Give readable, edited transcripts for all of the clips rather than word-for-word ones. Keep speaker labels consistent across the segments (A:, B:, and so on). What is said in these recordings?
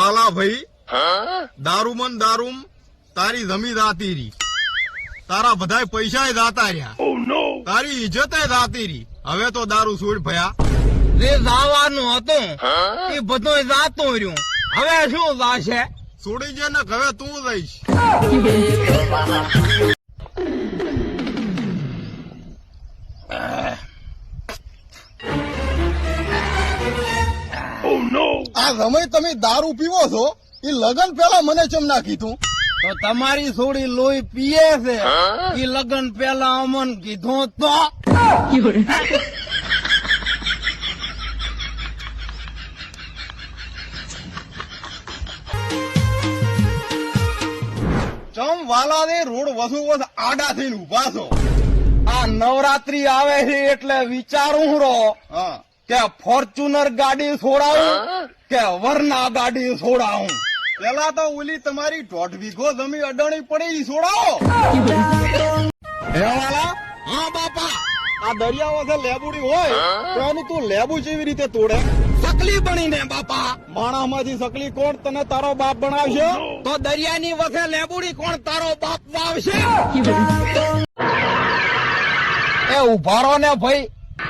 A: વાલા ભાઈ, દારૂમન દારૂમ તારી જમી જાતી રહી, તારા બધાય પૈસા જાતા રહ્યા, તારી ઇજ્જત જાતી રહી. હવે તો દારૂ છોડ ભયા.
B: જે જવાનું હતું એ બધું જાતું રહ્યું, હવે શું જાશે?
A: છોડી જે ને હવે તું જઈશ. આ સમય તમે દારૂ પીવો છો એ લગન પેલા મને ચમ ના કીધું?
B: તો તમારી છોડી લોહી પીએ છે એ લગન પેલા અમન કીધું તો?
A: ચમ વાલા ને રોડ વસુ વસ આડા થઈને ઉભા છો.
B: આ નવરાત્રી આવે છે એટલે વિચારું રહો
A: હા,
B: કે ફોર્ચ્યુનર ગાડી છોડાવું કે વરના ગાડી છોડાવું.
A: પેલા તો ઓલી તમારી 1.5 વીઘો જમીન અડાણી પડી ઈ છોડાવો. હે વાલા?
B: હા બાપા,
A: આ દરિયાઓ છે લેબુડી હોય તો એનું તું લેબુ જેવી રીતે તોડે?
B: સકલી બનીને બાપા.
A: માણામાંથી સકલી કોણ તને તારો બાપ બનાવશે?
B: તો દરિયાની વખે લેબુડી કોણ તારો બાપ વાવશે? એ ઉભા રહો ને ભાઈ.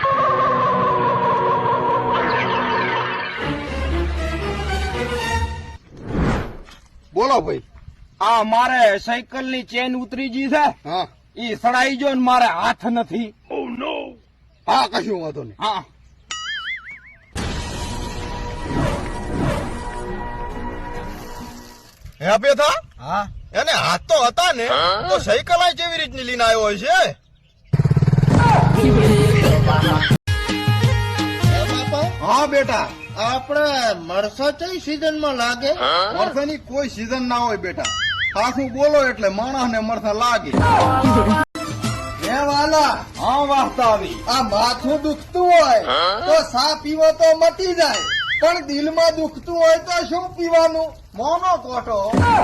A: બોલો ભાઈ.
B: આ મારે સાયકલ ની ચેન ઉતરી ગઈ છે,
A: હા
B: ઈ સડાઈ જો ને મારે હાથ નથી.
A: હા, કશું વાંધો નહીં.
B: હા,
A: હે બેથા,
B: હા,
A: એને હાથ તો હતા ને, તો સાયકલ આ કેવી રીતની લઈને આવ્યો હોય છે?
B: હા બેટા, આપણે મરસા કઈ સીઝન માં લાગે?
A: મરસાની કોઈ સીઝન ના હોય બેટા. સાસુ બોલો એટલે માણસ ને મરસા લાગે.
B: હે વાલા, હા વાસ્તા આવી.
A: આ માથું દુખતું હોય તો સા પીવો તો મટી જાય, પણ દિલમાં દુખતું હોય તો શું પીવાનું? મોનો કોટો.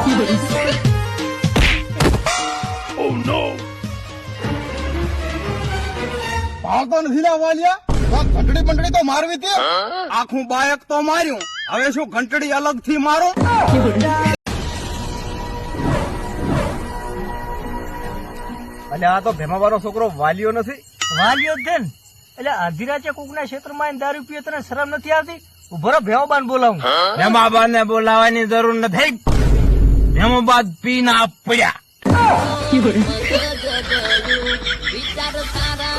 A: ભાવતો નથી ના વાલિયા? ઘંટડી બંટડી તો મારવી તે.
B: આખું બાયક તો માર્યું, હવે શું ઘંટડી અલગ થી મારો?
C: એટલે આ તો ભેમાવાળો છોકરો વાલીઓ નથી? વાલીઓ જ છે ને. એટલે અડધી રાતે કોકના ક્ષેત્રમાં આવીને દારૂ પીએ તને શરમ નથી આવતી? ઉભો રહો, ભેમાબાન બોલાવું.
B: ભેમાબા ને બોલાવાની જરૂર નથી. ભેમાબાદ પી ના પડ્યા.
D: વિચાર તારા